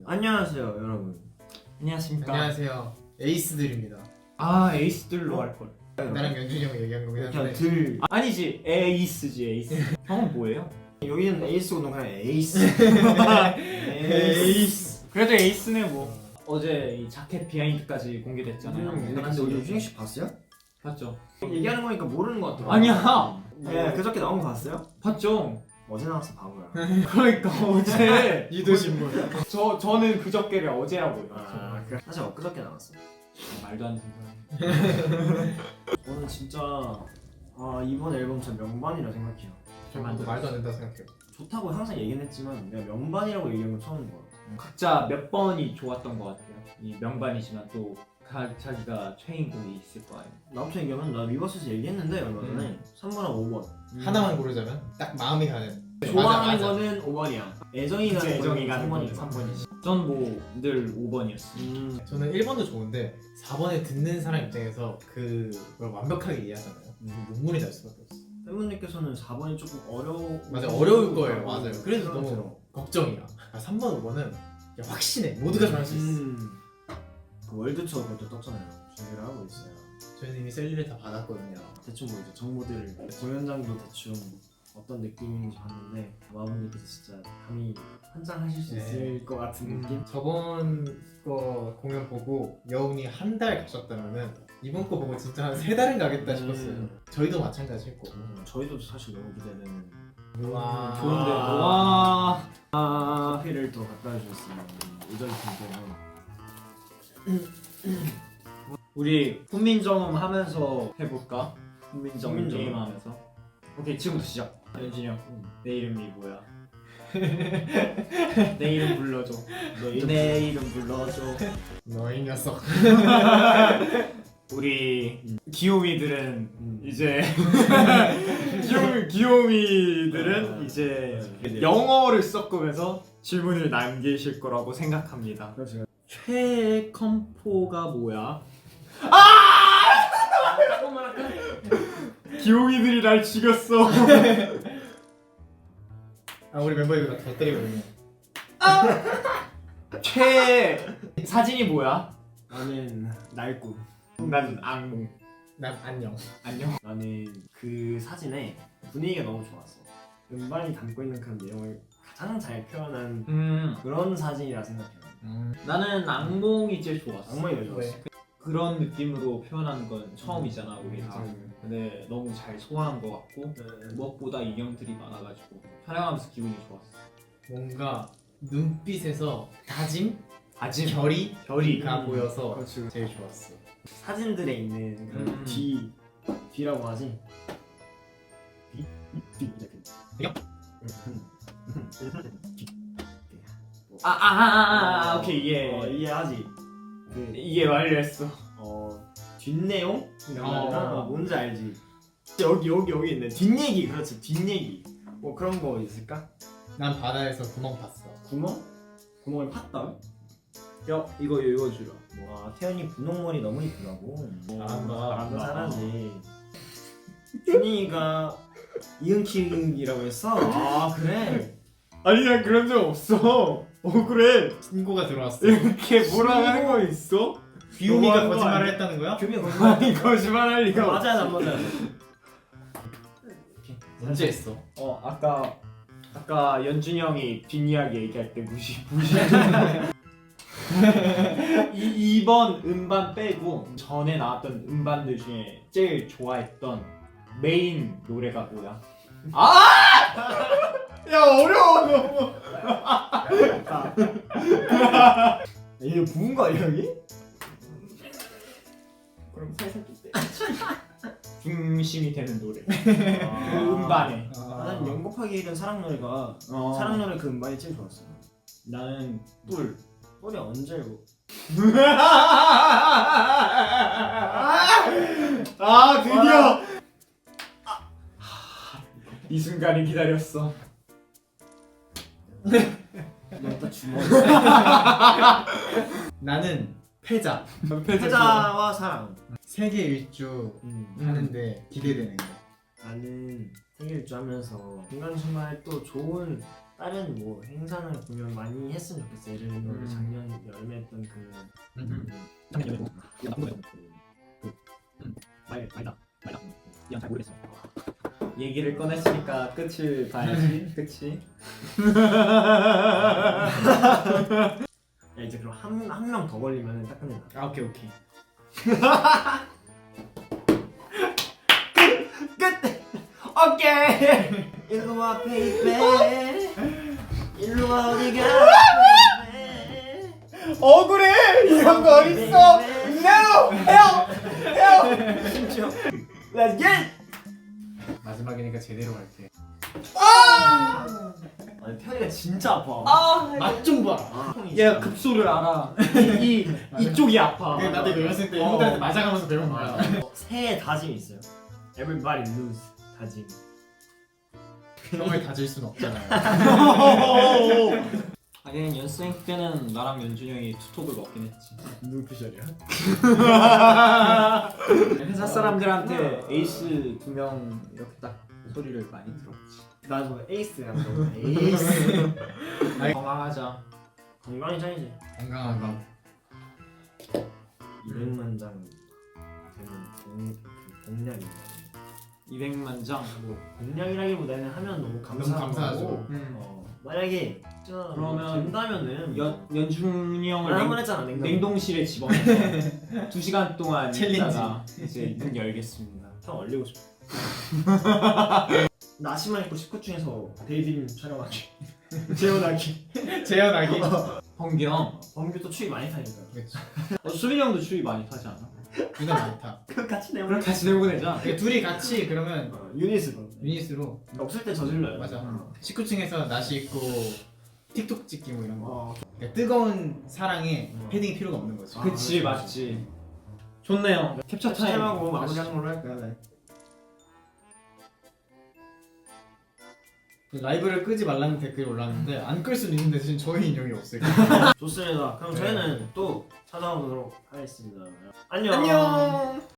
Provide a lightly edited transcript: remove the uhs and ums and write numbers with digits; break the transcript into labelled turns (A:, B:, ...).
A: 안녕하세요 여러분.
B: 안녕하십니까.
C: 안녕하세요. 에이스들입니다.
B: 아 에이스들로 할걸.
C: 나랑 연준이 형이 얘기한 거긴
A: 그냥
C: 한데
A: 들
B: 아니지 에이스지 에이스. 형은 뭐예요?
A: 여기는 에이스고 너 그냥 에이스.
C: 에이스.
B: 그래도 에이스네 뭐. 어제 이 자켓 비하인드까지 공개됐잖아요.
A: 근데 우리 유진이 씨 봤어요?
B: 봤죠?
A: 얘기하는 거니까 모르는 것 같아요.
B: 아니야.
A: 네, 그저께 나온 거 봤어요?
B: 봤죠.
A: 어제 나왔어 바보야.
B: 그러니까 어제
C: 유도신문.
B: 저는 그저께를 어제라고요.
A: 그래. 사실 엊그저께 나왔어.
B: 말도 안 되는 소리.
A: 저는 진짜 이번 앨범 진짜 명반이라 생각해요.
C: 저도 말도 안 된다 생각해요.
A: 좋다고 항상 얘기는 했지만 내가 명반이라고 얘기한 건 처음인 것 같아.
B: 각자 몇 번이 좋았던 것 같아요. 이 명반이지만 또 자기가 최애곡이 있을 거 아니에요.
A: 나부터 얘기하면 나 위버스에서 얘기했는데 얼마 전에 3번하고 5번
C: 하나만 고르자면 딱 마음이 가는.
A: 좋아하는
C: 맞아.
A: 거는 5번이야. 애정이 가는
B: 애정이
A: 거는
B: 가는
A: 3번이야.
B: 3번이지. 전 뭐 늘 5번이었어.
C: 저는 1번도 좋은데 4번에 듣는 사람 입장에서 그걸 완벽하게 이해하잖아요. 눈물이 날 수밖에 없어.
A: 팬분들께서는 4번이 조금
C: 맞아 어려울 거예요. 맞아요. 그래서 너무 걱정이야. 3번, 5번은 확신해. 모두가 잘할 수 있어.
A: 그 월드 투어 그것도 떴잖아요. 준비를 하고 있어요.
C: 저희는 이미 셀리를 다 받았거든요.
A: 대충 뭐 이제 정보들을 공연장도 대충 어떤 느낌인지 봤는데 마부님께서 진짜 감히 환장하실 수
C: 네.
A: 있을 것 같은 느낌?
C: 저번 거 공연 보고 여운이 한 달 가셨다면은 이번 거 보고 진짜 한 3달은 가겠다 싶었어요. 저희도 마찬가지였고.
A: 저희도 사실 너무 기대되는
C: 와.
A: 좋은데
B: 와.
A: 커피를 더 갖다 주셨으면 의전이 되면
B: 우리 훈민정음 하면서 해볼까? 훈민정음
A: 훈민정음.
B: 게임 하면서. 오케이 지금부터 시작. 연진이 형, 내 이름이 뭐야? 내 이름 불러줘. 내 이름 불러줘.
C: 너희 녀석.
B: 우리 귀요미들은 이제 귀요미들은 이제 영어를 섞으면서 질문을 남기실 거라고 생각합니다.
A: 그렇죠.
B: 최애 컴포가 뭐야? 귀요미들이 날 죽였어.
C: 우리 멤버 이거 더 때리거든요.
B: 최애 사진이 뭐야?
A: 나는 날구.
B: 난 악몽.
C: 난 안녕.
B: 안녕.
A: 나는 그 사진에 분위기가 너무 좋았어. 음반이 담고 있는 그런 내용을 가장 잘 표현한 그런 사진이라 생각해요.
B: 나는 악몽이 제일 좋았어.
A: 악몽이 왜 좋았어?
B: 그런 느낌으로 표현하는 건 처음이잖아 우리 다.
A: 음.
B: 근데 너무 잘 소화한 것 같고 무엇보다 인형들이 많아가지고 촬영하면서 기분이 좋았어.
C: 뭔가 눈빛에서 다짐,
B: 아직
C: 결의가
B: 별이
C: 보여서
A: 그렇지.
C: 제일 좋았어.
A: 사진들에 있는 그런 뒤라고 하지? 뒤 이렇게.
B: 오케이 이해
A: 이해하지? 그
B: 이해 완료했어.
A: 뒷내용? 이런
B: 어.
A: 말이나 뭔지 알지? 여기 있네. 뒷얘기. 그렇지, 뒷얘기. 뭐 그런 거 있을까?
C: 난 바다에서 구멍 봤어.
A: 구멍을 팠다?
B: 야 이거 읽어주라.
A: 와, 태연이 분홍머리 너무 이쁘다고.
C: 잘한다.
A: 잘하지. 준이가 이응키응이라고 했어? 아, 그래?
B: 아니야 그런 적 없어. 억울해.
C: 신고가 들어왔어.
B: 이렇게 뭐라 하는 거 있어?
C: 귀요미가
B: 너무한 거
C: 거짓말을
B: 아니야?
C: 했다는 거야?
A: 규미 거짓말.
B: 아니 거짓말할 리가 없어.
A: 맞아야 안 맞아야
C: 언제 했어?
B: 아까 연준이 형이 뒷이야기 얘기할 때 무시. 이번 음반 빼고 전에 나왔던 음반들 중에 제일 좋아했던 메인 노래가 뭐야? 야 어려워 너무.
A: 얘 부은 거 아니야, 여기?
B: 그럼 살살 때 중심이 되는 노래.
A: 아.
B: 그 음반에.
A: 나는 영 곱하기 1은 사랑 노래가 사랑 노래 그 음반이 제일 좋았어.
B: 나는 뿔.
A: 뿔이 언제 고
B: 드디어 이 순간을 기다렸어.
A: 너또 주먹.
C: 나는 패자.
A: 패자와 사랑.
C: 세계 일주 하는데 기대되는 거.
A: 나는 생일주 하면서 중간중간에 또 좋은 다른 뭐 행사나 공연 많이 했으면 좋겠어. 예를 들면 작년 여름에 했던 그
D: 작년 여름에 이거 나쁜 거예요. 말다 이건 잘 모르겠어.
B: 얘기를 꺼냈으니까 끝을 봐야지. 그치?
A: 야, 이제 그럼 한 명 더 걸리면 딱 끝낸다.
C: 아 오케이 오케이.
A: 오케이. 일로 와 베이베. 일로 와 어디가.
B: 억울해! 이런 거 어딨어! No! Help!
A: 심지어. Let's get.
C: 마지막이니까 제대로 갈게.
A: 아니 태연이가 진짜 아파.
C: 맛 좀 봐라.
B: 얘가 급소를 알아. 이쪽이 아파.
C: 그게 나도 이거 연습 때 형들한테 맞아가면서 배운 거야.
A: 새해 다짐이 있어요. Everybody lose 다짐.
C: 형을 다질 순 없잖아요.
B: 하긴 연습생 때는 나랑 연준이 형이 투톱을 먹긴 했지.
A: 눈피셜이야.
B: 회사 사람들한테 에이스 2명 이렇게 딱 소리를 많이 들었지.
A: 나저 에이스야. 에이스.
B: 건강하자.
A: 건강이 짱이지.
C: 건강한 거.
A: 200만 장 되는 공략입니다.
B: 200만 장.
A: 뭐 공략이라기보다는 하면 너무 감사하고
C: 감사하죠.
A: 만약에 진짜
B: 그러면
A: 된다면은
B: 연준이 형을
A: 한번 했잖아
B: 냉동실에 집어넣어서 2시간 동안
C: 챌린지.
B: 있다가 이제 문 열겠습니다.
A: 형 얼리고 싶어. 나시만 입고 19 중에서 데이비님 촬영하기. 재현하기.
C: 재현하기.
B: 범규 형.
A: 범규 또 추위 많이 타니까.
C: 그렇지.
B: 수빈이 형도 추위 많이 타지 않아?
C: 둘다 많다.
A: 그 같이 내면
B: 그럼 같이 내보내자.
C: 그러니까 둘이 같이 그러면
A: 유닛으로.
C: 유닛으로
A: 없을 때 저질러요.
C: 맞아. 19층에서 나시 입고 틱톡 찍기 뭐 이런 거.
A: 어,
C: 그러니까 뜨거운 사랑에 패딩이 필요가 없는 거지.
A: 아,
B: 그치
A: 그렇지.
B: 맞지. 좋네요. 캡처 타임.
A: 타임하고 마무리하는 걸로 할까요? 네.
C: 라이브를 끄지 말라는 댓글이 올랐는데 안 끌 수는 있는데 지금 저희 인형이 없어요.
A: 좋습니다. 그럼
C: 네.
A: 저희는 또 찾아오도록 하겠습니다. 안녕.
C: 안녕.